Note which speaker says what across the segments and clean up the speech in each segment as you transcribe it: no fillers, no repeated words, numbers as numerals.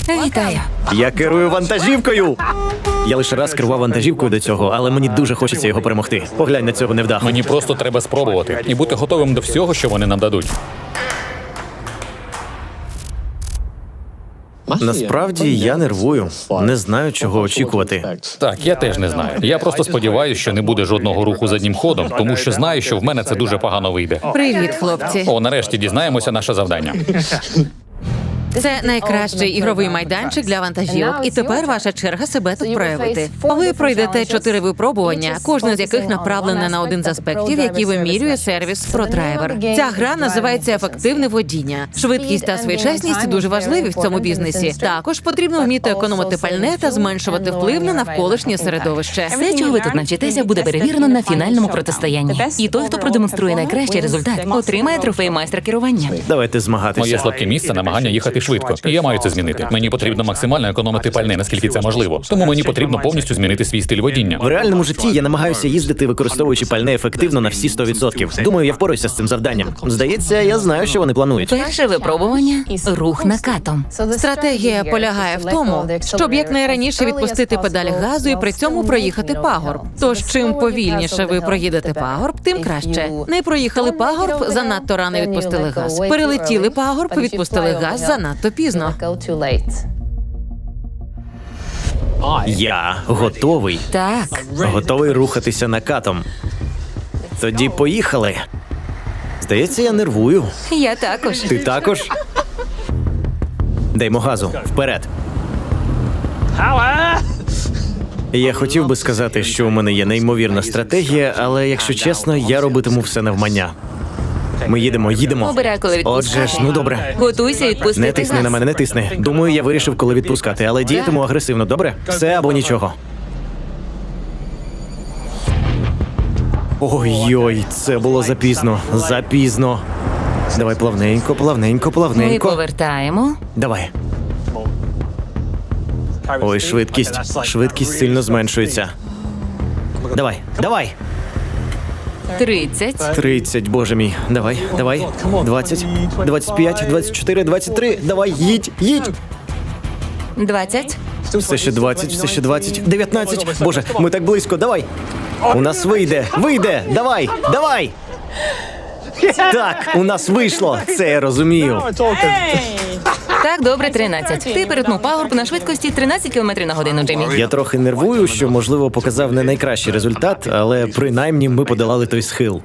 Speaker 1: Вітаю.
Speaker 2: Я керую вантажівкою! Я лише раз керував вантажівкою до цього, але мені дуже хочеться його перемогти. Поглянь на цього невдаху.
Speaker 3: Мені просто треба спробувати і бути готовим до всього, що вони нам дадуть.
Speaker 2: Насправді, я нервую. Не знаю, чого очікувати.
Speaker 3: Так, я теж не знаю. Я просто сподіваюся, що не буде жодного руху заднім ходом, тому що знаю, що в мене це дуже погано вийде.
Speaker 1: Привіт, хлопці.
Speaker 3: О, нарешті дізнаємося наше завдання.
Speaker 1: Це найкращий ігровий майданчик для вантажівок, і тепер ваша черга себе тут проявити. Ви пройдете 4 випробування, кожне з яких направлене на один з аспектів, які вимірює сервіс ProDriver. Ця гра називається «Ефективне водіння». Швидкість та своєчасність дуже важливі в цьому бізнесі. Також потрібно вміти економити пальне та зменшувати вплив на навколишнє середовище.
Speaker 4: Все, чого ви тут навчитеся, буде перевірено на фінальному протистоянні. І той, хто продемонструє найкращий результат, отримає трофей майстра керування.
Speaker 2: Давайте
Speaker 3: Моє
Speaker 2: змагатися.
Speaker 3: слабке місце – намагання їхати швидко. І я маю це змінити. Мені потрібно максимально економити пальне, наскільки це можливо. Тому мені потрібно повністю змінити свій стиль водіння.
Speaker 2: В реальному житті я намагаюся їздити, використовуючи пальне ефективно на всі 100%. Думаю, я впораюся з цим завданням. Здається, я знаю, що вони планують.
Speaker 4: Перше випробування – рух накатом.
Speaker 1: Стратегія полягає в тому, щоб якнайраніше відпустити педаль газу і при цьому проїхати пагорб. Тож, чим повільніше ви проїдете пагорб, тим краще. Не проїхали пагорб, занадто рано відпустили газ. Перелетіли пагорб, відпустили газ занадто пізно.
Speaker 2: Я готовий.
Speaker 4: Так.
Speaker 2: Готовий рухатися накатом. Тоді поїхали. Здається, я нервую.
Speaker 4: Я також.
Speaker 2: Ти також? Даймо газу. Вперед. Я хотів би сказати, що у мене є неймовірна стратегія, але, якщо чесно, я робитиму все навмання. Ми їдемо.
Speaker 4: Обирай, коли відпускати.
Speaker 2: Отже ж, ну добре.
Speaker 4: Готуйся відпустити
Speaker 2: Не тисни
Speaker 4: газ.
Speaker 2: на мене, не тисни. Думаю, я вирішив, коли відпускати, але діятиму агресивно, добре? Все або нічого. Ой-ой, це було запізно. Запізно. Давай плавненько, плавненько,
Speaker 4: Ми
Speaker 2: плавненько.
Speaker 4: повертаємо.
Speaker 2: Давай. Ой, швидкість. Швидкість сильно зменшується. Давай.
Speaker 4: 30.
Speaker 2: 30, боже мій. Давай. 20, 25, 24, 23. Давай, їдь.
Speaker 4: 20.
Speaker 2: Все ще 20. 19. Боже, ми так близько, давай. У нас вийде. Давай. Так, у нас вийшло. Це я розумію.
Speaker 4: Так, добре, 13. Ти перетнув пагорб на швидкості 13 км на годину, Джиммі.
Speaker 2: Я трохи нервую, що, можливо, показав не найкращий результат, але принаймні ми подолали той схил.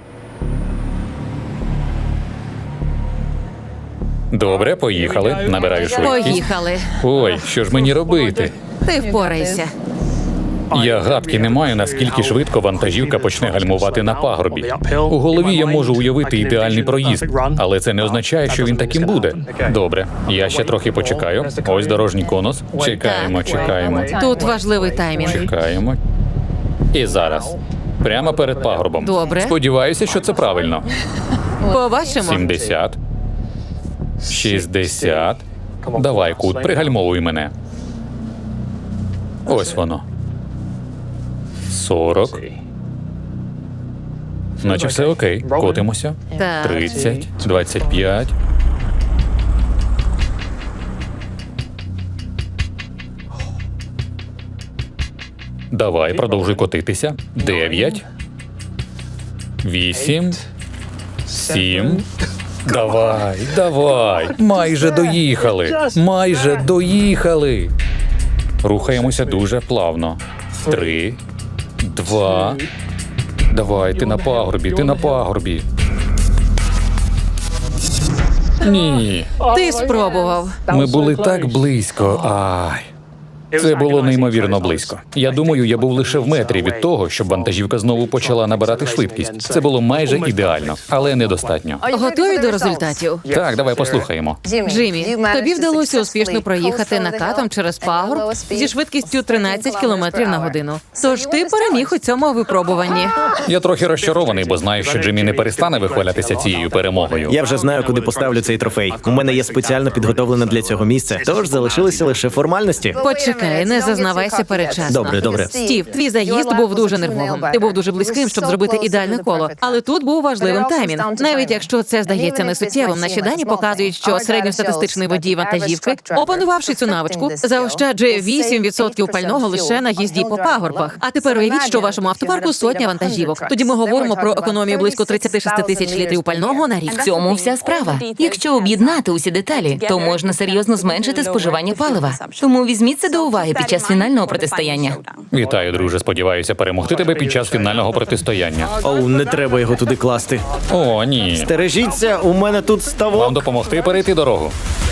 Speaker 3: Добре, поїхали. Набираю швидкість.
Speaker 1: Поїхали.
Speaker 3: Ой, що ж мені робити?
Speaker 1: Ти впорайся.
Speaker 3: Я гадки не маю, наскільки швидко вантажівка почне гальмувати на пагорбі. У голові я можу уявити ідеальний проїзд, але це не означає, що він таким буде. Добре, я ще трохи почекаю. Ось дорожній конус. Чекаємо.
Speaker 1: Тут важливий таймінг.
Speaker 3: Чекаємо. І зараз. Прямо перед пагорбом.
Speaker 1: Добре.
Speaker 3: Сподіваюся, що це правильно.
Speaker 1: Побачимо.
Speaker 3: 70. 60. Давай, кут, пригальмовуй мене. Ось воно. 40. Наче все окей. Котимося.
Speaker 1: Так.
Speaker 3: 30. 25. Давай, продовжуй котитися. 9. 8. 7. Давай. Майже доїхали. Рухаємося дуже плавно. 3, 2. Давай, ти на пагорбі. Ні.
Speaker 1: Ти спробував.
Speaker 3: Ми були так близько. Ай. Це було неймовірно близько. Я думаю, я був лише в метрі від того, щоб вантажівка знову почала набирати швидкість. Це було майже ідеально, але недостатньо.
Speaker 1: Готові до результатів?
Speaker 3: Так, давай послухаємо.
Speaker 1: Джиммі, тобі вдалося успішно проїхати накатом через пагорб зі швидкістю 13 км на годину. Тож ти переміг у цьому випробуванні.
Speaker 3: Я трохи розчарований, бо знаю, що Джиммі не перестане вихвалятися цією перемогою.
Speaker 2: Я вже знаю, куди поставлю цей трофей. У мене є спеціально підготовлене для цього місце, тож залишилися лише формальності.
Speaker 1: Почекай. Чекай, не зазнавайся передчасно.
Speaker 2: Добре.
Speaker 1: Стів, твій заїзд був дуже нервовим. Ти був дуже близьким, щоб зробити ідеальне коло. Але тут був важливим таймінг. Навіть якщо це здається несуттєвим, наші дані показують, що середньостатистичний водій вантажівки, опанувавши цю навичку, заощаджує 8% пального лише на їзді по пагорбах. А тепер уявіть, що у вашому автопарку сотня вантажівок. Тоді ми говоримо про економію близько 36 тисяч літрів пального на рік.
Speaker 4: В цьому вся справа. Якщо об'єднати усі деталі, то можна серйозно зменшити споживання палива. Тому візьміть це до уваги під час фінального протистояння.
Speaker 3: Вітаю, друже. Сподіваюся перемогти тебе під час фінального протистояння.
Speaker 2: Оу, не треба його туди класти.
Speaker 3: О, ні.
Speaker 2: Стережіться, у мене тут
Speaker 3: Вам
Speaker 2: ставок.
Speaker 3: допомогти перейти дорогу.